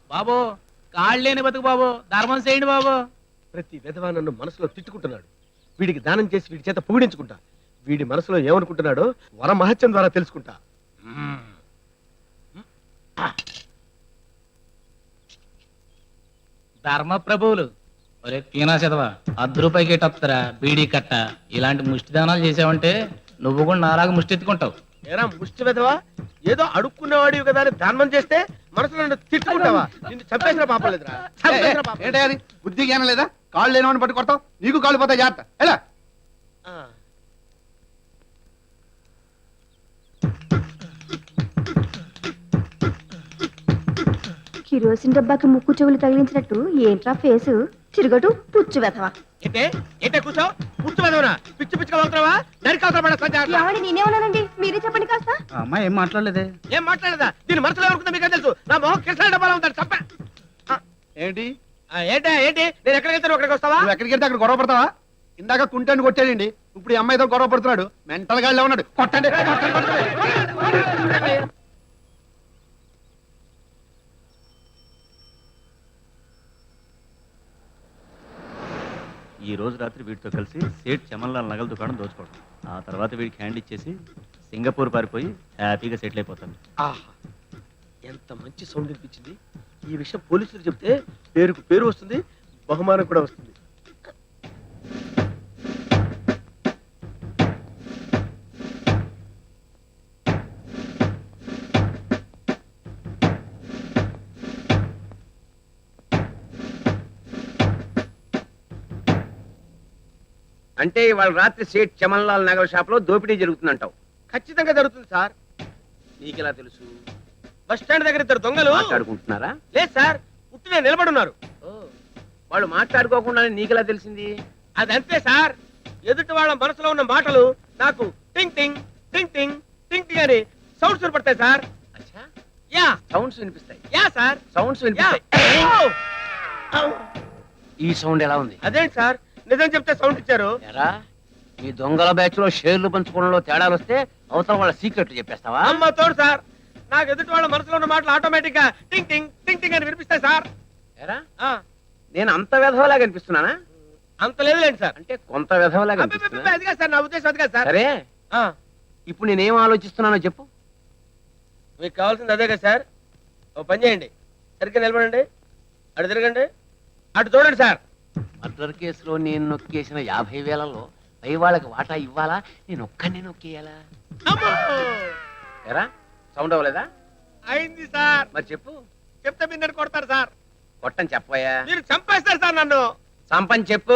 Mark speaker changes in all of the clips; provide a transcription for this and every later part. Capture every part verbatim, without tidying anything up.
Speaker 1: బాబు కాళ్ళు లేని బతుకు బాబు, ధర్మం చేయండి బాబు.
Speaker 2: ప్రతి విధవా నన్ను మనసులో తిట్టుకుంటున్నాడు. వీడికి దానం చేసి వీడి చేత పొగిడించుకుంటా. వీడి మనసులో ఏమనుకుంటున్నాడో వర మహత్యం ద్వారా తెలుసుకుంటా.
Speaker 1: ధర్మ ప్రభువులు ఒరే పీనా చదవా, అర్ధ రూపాయికి ఎట్టొత్తరా బీడీ కట్ట. ఇలాంటి ముష్టి దానాలు చేసావంటే నువ్వు కూడా నాలాగా ముష్టి ఎత్తుకుంటావు.
Speaker 2: ఏరా ముష్టి విధవా, ఏదో అడుక్కునేవాడివి కదా అని దానం చేస్తే మనసులో నన్ను తిట్టుకుంటావా? నిన్ను చంపేసిన పాపం లేదురా. చంపేసిన పాపం.
Speaker 3: ఏంటి అది బుద్ధి జ్ఞానం లేదా? కాళ్ళు లేనివాడిని పట్టు కొడతావు, నీకు కాళ్ళు పోతాయి. జాగ్రత్త. ఎలా
Speaker 2: ఆ.
Speaker 4: కిరోసిన్ డబ్బాకి ముక్కు చెవులు తగిలించినట్టు ఏంట్రా ఫేసు తిరగటు పుచ్చు వెధవా.
Speaker 2: ఏంటే ఏంటే కూర్చోవు? పుచ్చు విధవనా? పిచ్చి పిచ్చిగా వెళ్తావా? నరికాల్సిన పడేస్తా.
Speaker 4: ఏమండి నేనేమన్నానండి, మీరే చెప్పండి కాస్త.
Speaker 3: అమ్మాయి ఏం మాట్లాడలేదే.
Speaker 2: ఏం మాట్లాడదా? దీని మనసులో ఎవరుకుందో మీకు తెలుసు. నా మొహం కిరసన డబ్బాలో ఉంటాడు. చంప.
Speaker 3: ఏంటి
Speaker 2: ఏంటా ఏంటి? నేను ఎక్కడికి వెళ్తాను అక్కడికి వస్తావా?
Speaker 3: నువ్వు ఎక్కడికి వెళ్తే అక్కడ గొడవ పడతావా? ఇందాక కుంటాన్ని కొట్టాడండి, ఇప్పుడు ఈ అమ్మాయితో గొడవ పడుతున్నాడు. మెంటల్ గాడిలో ఉన్నాడు. కొట్టండి కొట్టండి, కొట్టండి.
Speaker 5: ఈ రోజు రాత్రి వీటితో కలిసి సేట్ చమన్లాల్ నగల దుకాణం దోచుకోవడం, ఆ తర్వాత వీడికి హ్యాండ్ ఇచ్చేసి సింగపూర్ పారిపోయి హ్యాపీగా సెటిల్ అయిపోతాను.
Speaker 2: ఆహా, ఎంత మంచి సౌండ్ వినిపించింది. ఈ విషయం పోలీసులు చెప్తే పేరుకు పేరు వస్తుంది, బహుమానం కూడా వస్తుంది.
Speaker 6: అంటే ఇవాళ రాత్రి సేట్ చమన్లాల్ నగర్ షాప్ లో దోపిడీ జరుగుతుందంటావు?
Speaker 2: ఖచ్చితంగా జరుగుతుంది సార్.
Speaker 6: నీకెలా తెలుసు?
Speaker 2: బస్ స్టాండ్ దగ్గర ఇద్దరు దొంగలు
Speaker 6: మాట్లాడుకుంటున్నారా?
Speaker 2: లేదు సార్, పుట్టిన నిలబడున్నారు.
Speaker 6: వాళ్ళు మాట్లాడుకోకుండానే నీకెలా తెలిసింది?
Speaker 2: అదంతే సార్, ఎదుటి వాళ్ళ మనసులో ఉన్న మాటలు నాకు టింగ్ టింగ్ టింగ్ టింగ్ టింగ్ టింగ్ అని సౌండ్స్ వినపడతాయి సార్.
Speaker 6: అచ్చా,
Speaker 2: యా
Speaker 6: సౌండ్స్ వినిపిస్తాయి.
Speaker 2: Yeah sir,
Speaker 6: sounds
Speaker 2: yeah.
Speaker 6: వినిపిస్తాయి.
Speaker 2: ఔ!
Speaker 6: ఈ సౌండ్ ఎలా ఉంది?
Speaker 2: అదేంటి సార్, నిజం చెప్తే సౌండ్ ఇచ్చారు.
Speaker 6: ఎరా, ఈ దొంగల బ్యాచ్ లో షేర్లు పంచుకోవడంలో తేడాలు వస్తే అవతల వాళ్ళ సీక్రెట్లు చెప్పేస్తావా?
Speaker 2: అమ్మ తోడు సార్, నాకు ఎదుటి వాళ్ళ మనసులో ఉన్న మాటలు ఆటోమేటిక్ గా టింగ్ టింగ్ టింగ్ టింగ్ అని వినిపిస్తాయి సార్.
Speaker 6: ఎరా,
Speaker 2: ఆ,
Speaker 6: నేను అంత వెధవలాగా అనిపిస్తున్నానా?
Speaker 2: అంత లేదులేండి సార్.
Speaker 6: అంటే కొంత వెధవలాగా
Speaker 2: అబ్బే, అబ్బే,
Speaker 6: అనిపిస్తున్నా?
Speaker 2: అది కాదు సార్, నా ఉద్దేశం అది కాదు సార్.
Speaker 6: సరే,
Speaker 2: ఆ,
Speaker 6: ఇప్పుడు నేనేం ఆలోచిస్తున్నానో చెప్పు.
Speaker 2: మీకు కావాల్సింది అదే కదా సార్. ఓ పని చేయండి, సరిగ్గా నిలబడండి, అటు తిరగండి, అటు చూడండి సార్.
Speaker 6: మర్డర్ కేసులో నేను నొక్కేసిన యాభై వేలలో పై వాళ్ళకి వాటా ఇవ్వాలా, నేను ఒక్కడిని నొక్కేయాలా?
Speaker 2: అమ్మో!
Speaker 6: ఎరా, సౌండ్ అవ్వలేదా?
Speaker 2: అయింది సార్.
Speaker 6: మరి చెప్పు.
Speaker 2: చెప్తే మీరు నన్ను కొడతారు సార్.
Speaker 6: కొట్టని చెప్పయా?
Speaker 2: మీరు చంపేస్తారు సార్ నన్ను.
Speaker 6: సంపని చెప్పు.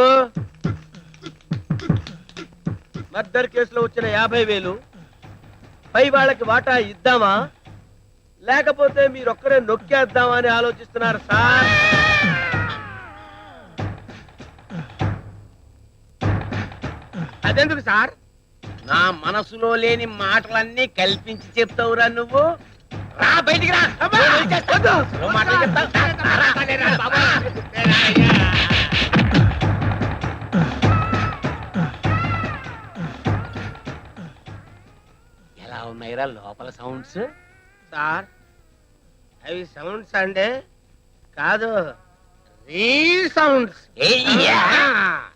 Speaker 2: మర్డర్ కేసులో వచ్చిన యాభై వేలు పై వాళ్ళకి వాటా ఇద్దామా, లేకపోతే మీరొక్కరే నొక్కేద్దామా అని ఆలోచిస్తున్నారు సార్. అదెందుకు సార్?
Speaker 6: నా మనసులో లేని మాటలన్నీ కల్పించి చెప్తావురా నువ్వు. రా బయటికి రా.
Speaker 2: అబ్బా! వద్దు.
Speaker 6: నువ్వు మాటలు చెప్తావు. రా, రా, రా, రా, బాబు. ఎలా ఉన్నాయిరా లోపల సౌండ్స్?
Speaker 2: సార్, అవి సౌండ్స్ అంటే కాదు, రీ సౌండ్స్.
Speaker 6: ఏయ్యా!